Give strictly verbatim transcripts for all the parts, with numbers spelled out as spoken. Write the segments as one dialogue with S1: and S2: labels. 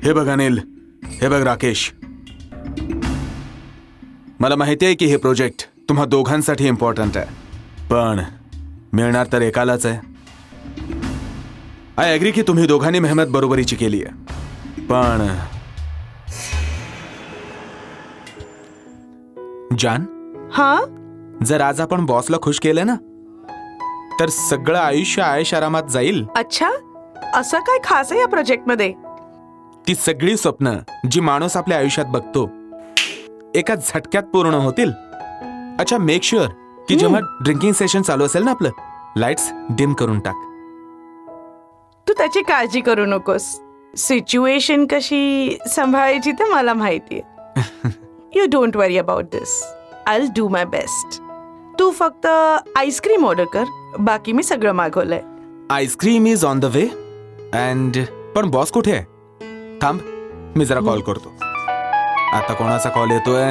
S1: हे बघ अनिल, हे बघ राकेश, मला माहिती आहे की हे प्रोजेक्ट तुम्हा दोघांसाठी इम्पॉर्टंट आहे, पण मिळणार तर एकालाच आहे. आय ॲग्री की तुम्ही दोघांनी मेहनत बरोबरीची केली आहे, पण जान,
S2: हा
S1: जर आज आपण बॉसला खुश केलं ना, तर सगळं आयुष्य आयश आरामात जाईल.
S2: अच्छा, असं काय खास आहे या प्रोजेक्ट मध्ये?
S1: ती सगळी स्वप्न जी माणूस आपल्या आयुष्यात बघतो एका झटक्यात पूर्ण होतील. अच्छा, मेक शुअर की जेव्हा ड्रिंकिंग सेशन चालू असेल ना आपलं, लाईट्स डिम करून टाक.
S2: तू त्याची काळजी करू नकोस. सिच्युएशन कशी सांभाळायची ते मला माहितीये. You don't worry about this. I will do my best. तू फक्त आईस्क्रीम ऑर्डर कर, बाकी मी सगळं मागवलंय.
S1: Ice cream is on the way. And पण बॉस कुठे आहे? थांब, मी जरा कॉल करतो. आता कोणाचा कॉल येतोय?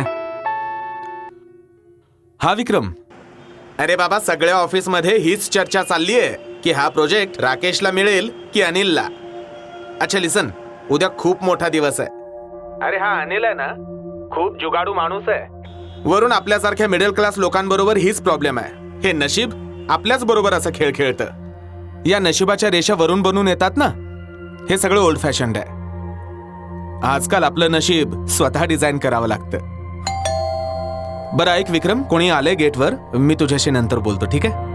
S1: हा विक्रम. अरे बाबा, सगळ्या ऑफिस मध्ये हीच चर्चा चालली आहे की हा प्रोजेक्ट राकेशला मिळेल की अनिलला. अच्छा लिसन, उद्या खूप मोठा दिवस आहे. अरे हा अनिल आहे ना, खूप जुगाडू माणूस आहे. वरून आपल्यासारख्या मिडल क्लास लोकांबरोबर हीच प्रॉब्लेम आहे. हे नशीब आपल्याच बरोबर असं खेळ खेळतं. या नशिबाच्या रेषा वरून बनून येतात ना, हे सगळं ओल्ड फॅशन्ड आहे. आजकाल आपलं नशीब स्वतः डिझाईन करावं लागतं. बरं ऐक विक्रम, कोणी आलंय गेटवर, मी तुझ्याशी नंतर बोलतो, ठीक आहे?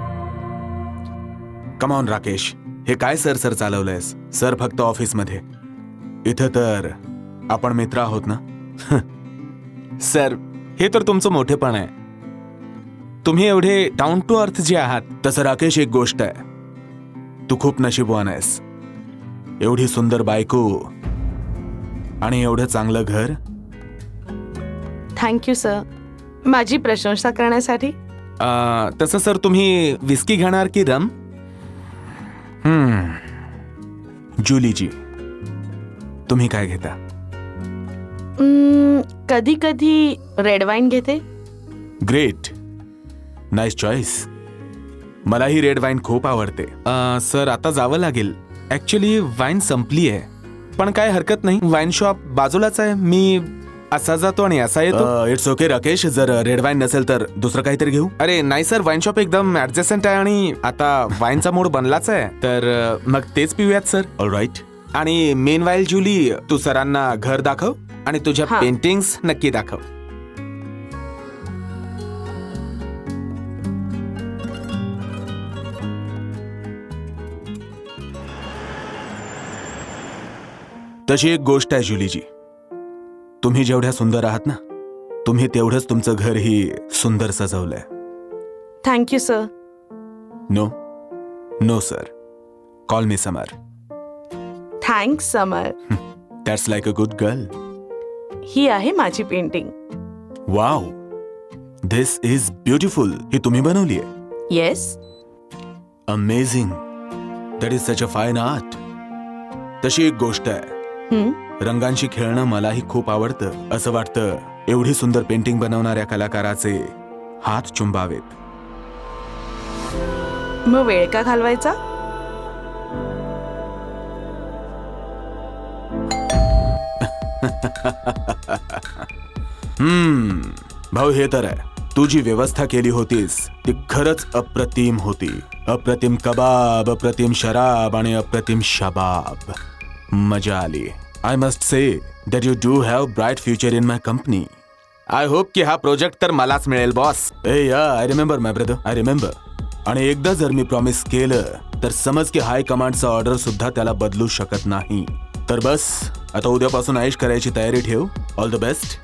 S1: कमॉन राकेश, हे काय सर सर चालवलंयस? सर फक्त ऑफिसमध्ये, इथं तर आपण मित्र आहोत ना. सर, हे तर तुमचं मोठेपण आहे. तुम्ही एवढे डाऊन टू अर्थ जे आहात. तसं राकेश, एक गोष्ट आहे, तू खूप नशीबवान आहेस. एवढी सुंदर बायको आणि एवढं चांगलं घर.
S2: थँक्यू सर, माझी प्रशंसा करण्यासाठी.
S1: अं, तसं सर, तुम्ही विस्की घेणार की रम? हम्म जुलीजी, तुम्ही काय घेता?
S2: कधी कधी रेड वाईन घेते.
S1: Great, nice choice. मलाही रेड वाईन खूप आवडते. अं, सर आता जावं लागेल. ऍक्च्युली वाईन संपली आहे, पण काय हरकत नाही, वाईन शॉप बाजूलाच आहे. मी असा जातो आणि असा येतो. इट्स ओके राकेश, जर रेड वाईन नसेल तर दुसरं काहीतरी घेऊ. अरे नाही सर, वाईन शॉप एकदम ऍडजस्टंट आहे आणि आता वाईनचा मूड बनलाच आहे, तर मग तेच पिऊयात सर. ऑलराईट. आणि मेन वाईल जुली, तू सरांना घर दाखव आणि तुझ्या
S2: हा.
S1: पेंटिंग्स नक्की दाखव. तशी एक गोष्ट आहे जुलीजी, तुम्ही जेवढ्या सुंदर आहात ना, तुम्ही तेवढंच तुमचं घरही सुंदर सजवलंय.
S2: Thank you sir.
S1: No no sir, call me Samar.
S2: Thanks Samar.
S1: That's like a good girl.
S2: ही आहे माझी painting.
S1: Wow, this is beautiful. ही तुम्ही बनवली आहे?
S2: Yes.
S1: Amazing. That is such a fine art. तशी एक गोष्ट आहे, रंगांशी खेळणं मलाही खूप आवडतं. असं वाटतं एवढी सुंदर पेंटिंग बनवणाऱ्या कलाकाराचे हात चुंबावेत.
S2: मग वेळ का घालवायचा?
S1: हम्म भाऊ, हे तर आहे, तू जी व्यवस्था केली होतीस ती खरंच अप्रतिम होती. अप्रतिम कबाब, अप्रतिम शराब आणि अप्रतिम शबाब. मजा आली. I must say that you do have bright future in my company. I hope की हा प्रोजेक्ट तर मलाच मिळेल बॉस. ए yeah, I remember my brother, I remember. आणि एकदा जर मी प्रॉमिस केलं तर समज की हाय कमांडचा ऑर्डर सुद्धा त्याला बदलू शकत नाही. तर बस, आता उद्यापासून आयुष करायची तयारी ठेव. All the best.